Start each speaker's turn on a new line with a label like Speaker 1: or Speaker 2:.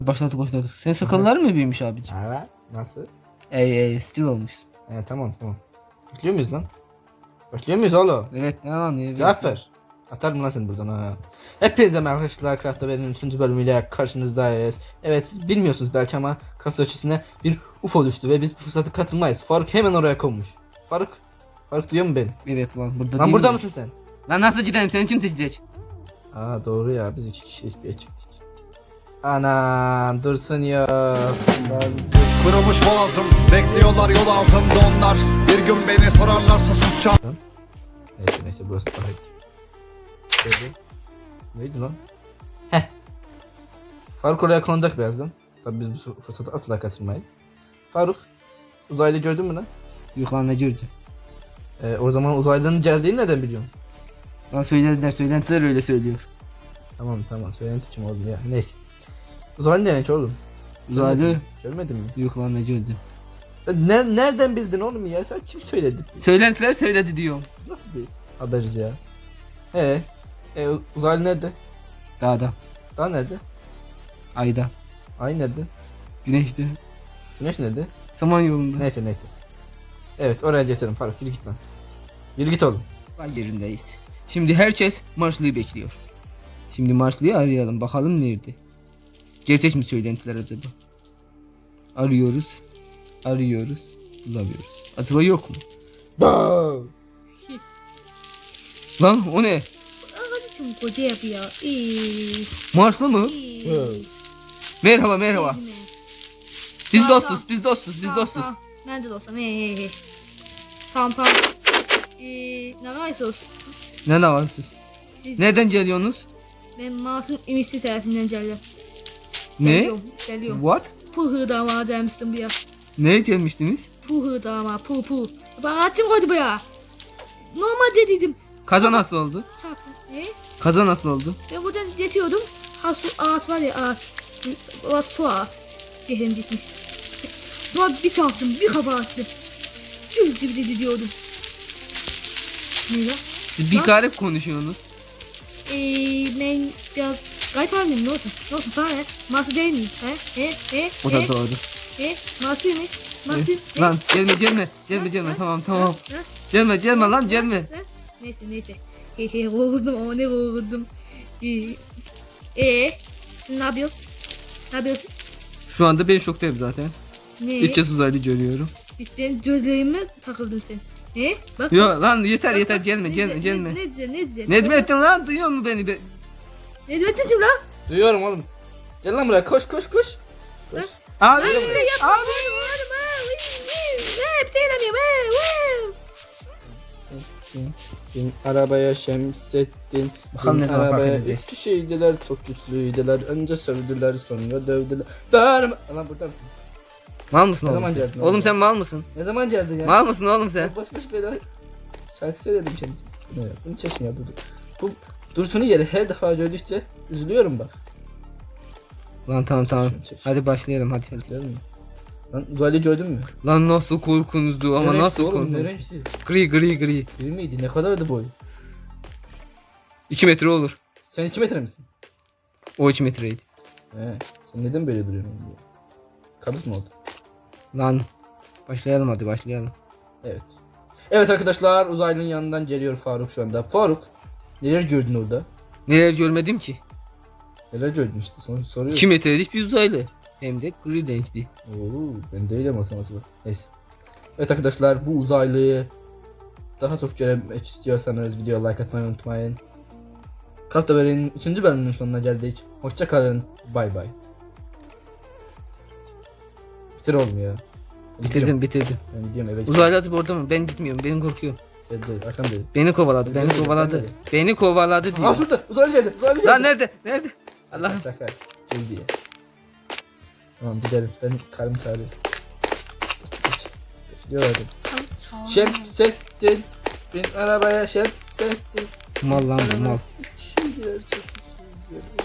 Speaker 1: Başladı. Senin sakallar mı büyümüş abicim?
Speaker 2: Evet. Nasıl?
Speaker 1: Stil olmuşsun.
Speaker 2: Tamam. Bekliyor muyuz lan? Bekliyor muyuz oğlum?
Speaker 1: Evet ne anlıyor?
Speaker 2: Cevap ver. Atarım lan seni buradan ha. Hepinize merhaba arkadaşlar. Craft'ta benim 3. bölümüyle karşınızdayız. Evet siz bilmiyorsunuz belki ama Craft ötesine bir UFO düştü ve biz bu fırsatı katılmayız. Faruk hemen oraya konmuş. Faruk duyuyor mu beni?
Speaker 1: Evet lan burada
Speaker 2: Lan
Speaker 1: değil
Speaker 2: burada
Speaker 1: mi?
Speaker 2: mısın sen?
Speaker 1: Lan nasıl gidelim, seni kim seçecek?
Speaker 2: Aa doğru ya, biz 2 kişilik bir ekiptik. Anam dursun ya.
Speaker 3: Kırılmış boğazım, bekliyorlar yol altında onlar. Bir gün beni sorarlarsa sus çal.
Speaker 2: Neyse burası daha iyi. Neydi lan? Heh. Faruk oraya konacak birazdan. Tabii biz bu fırsatı asla kaçırmayız. Faruk, uzaylı gördün mü lan?
Speaker 1: Yok lan ne göreceğim?
Speaker 2: O zaman uzaylının geldiğini neden biliyorsun?
Speaker 1: Lan söylentiler öyle söylüyor.
Speaker 2: Tamam söylenti için oldu ya. Neyse. Uzaylı ne oğlum?
Speaker 1: Uzaylı.
Speaker 2: Görmedin mi?
Speaker 1: Yok lan ne göreceğim?
Speaker 2: Nereden bildin oğlum ya? Sen kim söyledi?
Speaker 1: Söylentiler söyledi diyorum.
Speaker 2: Nasıl bir haberiz ya? Uzaylı nerede?
Speaker 1: Dağda,
Speaker 2: Daha nerede?
Speaker 1: ayda,
Speaker 2: Ay nerede?
Speaker 1: güneşte,
Speaker 2: Güneş nerede?
Speaker 1: Samanyolu'nda.
Speaker 2: Neyse. Evet oraya geçelim Faruk, yürü git lan. Yürü git oğlum.
Speaker 1: Ay yerindeyiz. Şimdi herkes Marslı'yı bekliyor. Şimdi Marslı'yı arayalım, bakalım nerede? Gerçek mi söylentiler acaba? Arıyoruz, bulamıyoruz. Acaba yok mu? Lan o ne?
Speaker 4: 좀 고대yapıyor.
Speaker 1: Marslı mı? Merhaba. Biz dostuz.
Speaker 4: Ben de dostum. Tamam. Ne var sos?
Speaker 1: Ne var siz? Nereden geliyorsunuz?
Speaker 4: Ben Mars'ın imisi tarafından geldim.
Speaker 1: Ne?
Speaker 4: Geliyorum.
Speaker 1: What?
Speaker 4: Pul hırdama demiştim bir ya.
Speaker 1: Neye gelmiştiniz?
Speaker 4: Pul hırdama, pul. Bana atım koydu bu ya. Normalde dedim.
Speaker 1: Kaza nasıl oldu?
Speaker 4: Çarptım.
Speaker 1: Kaza nasıl oldu?
Speaker 4: Ben buradan geçiyordum. Ha su ağaç var ya ağaç. Su ağaç. Dehem gitmiş. Sonra bir çarptım, bir kafa attım. Gül gibi de diyordum. Ne ya?
Speaker 1: Siz bir garip konuşuyorsunuz.
Speaker 4: Ben biraz garip abim ne olsun? Ne olsun sana ne? Masum değil miyim?
Speaker 1: O da doğru.
Speaker 4: Masum ne? Masum ne?
Speaker 1: Lan gelme. Tamam. Gelme lan.
Speaker 4: Neyse. Korkudum ama ne korkudum. Ne yapıyorsun?
Speaker 1: Şu anda ben şoktayım zaten.
Speaker 4: Ne?
Speaker 1: İçeceğiz uzaylı görüyorum.
Speaker 4: Benim gözlerime takıldın sen. Bak.
Speaker 1: Yo lan yeter
Speaker 4: Bak,
Speaker 1: gelme.
Speaker 4: Ne diyeceksin?
Speaker 1: Necmettin lan duyuyor mu beni?
Speaker 4: Necmettin kim lan?
Speaker 2: Duyuyorum oğlum. Gel lan buraya, koş.
Speaker 1: Abi.
Speaker 4: Abi. Hep seyredemiyorum.
Speaker 2: Bin arabaya Şemsettin.
Speaker 1: Bakalım
Speaker 2: Bin
Speaker 1: ne zaman fark
Speaker 2: arabaya
Speaker 1: edeceğiz.
Speaker 2: 3 kişiydiler, çok güçlüydüler. Önce sövdüler, sonra dövdüler. Bağırma. Lan burada mısın?
Speaker 1: Mal mısın
Speaker 2: Ne
Speaker 1: oğlum
Speaker 2: zaman
Speaker 1: sen?
Speaker 2: geldin
Speaker 1: Oğlum
Speaker 2: oğlum?
Speaker 1: sen mal mısın?
Speaker 2: Ne zaman geldin ya?
Speaker 1: Mal mısın oğlum sen?
Speaker 2: Boş bela. Şarkı söyledim kendi. Ne ya? Bunu çeşmiyor bu. Dursun'u yeri her defa gördükçe üzülüyorum bak.
Speaker 1: Lan tamam.
Speaker 2: Çek.
Speaker 1: Hadi başlayalım hadi.
Speaker 2: Biliyor musun? Lan uzaylı gördün mü?
Speaker 1: Lan nasıl korkunuzdu ama
Speaker 2: Ne
Speaker 1: nasıl
Speaker 2: renkti oğlum, ne
Speaker 1: korkunuzdu?
Speaker 2: renkti?
Speaker 1: Gri.
Speaker 2: Biri miydi? Ne kadardı boy?
Speaker 1: 2 metre olur.
Speaker 2: Sen 2 metre misin?
Speaker 1: O 2 metreydi.
Speaker 2: Sen neden böyle duruyorsun oğlum? Kabus mu oldu?
Speaker 1: Lan başlayalım hadi.
Speaker 2: Evet. Evet arkadaşlar, uzaylının yanından geliyor Faruk şu anda. Faruk, neler gördün orada?
Speaker 1: Neler görmedim ki?
Speaker 2: Neler gördün işte, soruyor.
Speaker 1: 2 metrelik bir uzaylı. Hem de gri renkli.
Speaker 2: Oo, ben değilim aslında. Neyse. Evet arkadaşlar, bu uzaylıyı daha çok görmek istiyorsanız videoya like atmayı unutmayın. Craft Haber'in 3. bölümünün sonuna geldik. Hoşça kalın. Bay bay. Bitir oğlum ya.
Speaker 1: Bitirdim.
Speaker 2: Ben gidiyorum eve.
Speaker 1: Uzaylı atıp orada mı? Ben gitmiyorum. Ben korkuyorum.
Speaker 2: Geldi, arkam dedi.
Speaker 1: Beni kovaladı. Beni kovaladı
Speaker 2: Aa
Speaker 1: diyor.
Speaker 2: şurada, uzaylı geldi.
Speaker 1: Lan nerede? Allah.
Speaker 2: Şaka. Geldi ya. Tamam gidelim. Ben karım çağırıyor. Bekliyorum. Şemsettin. Bin arabaya Şemsettin.
Speaker 1: Mal lan bu mal.
Speaker 2: Şimdiler çok güzel.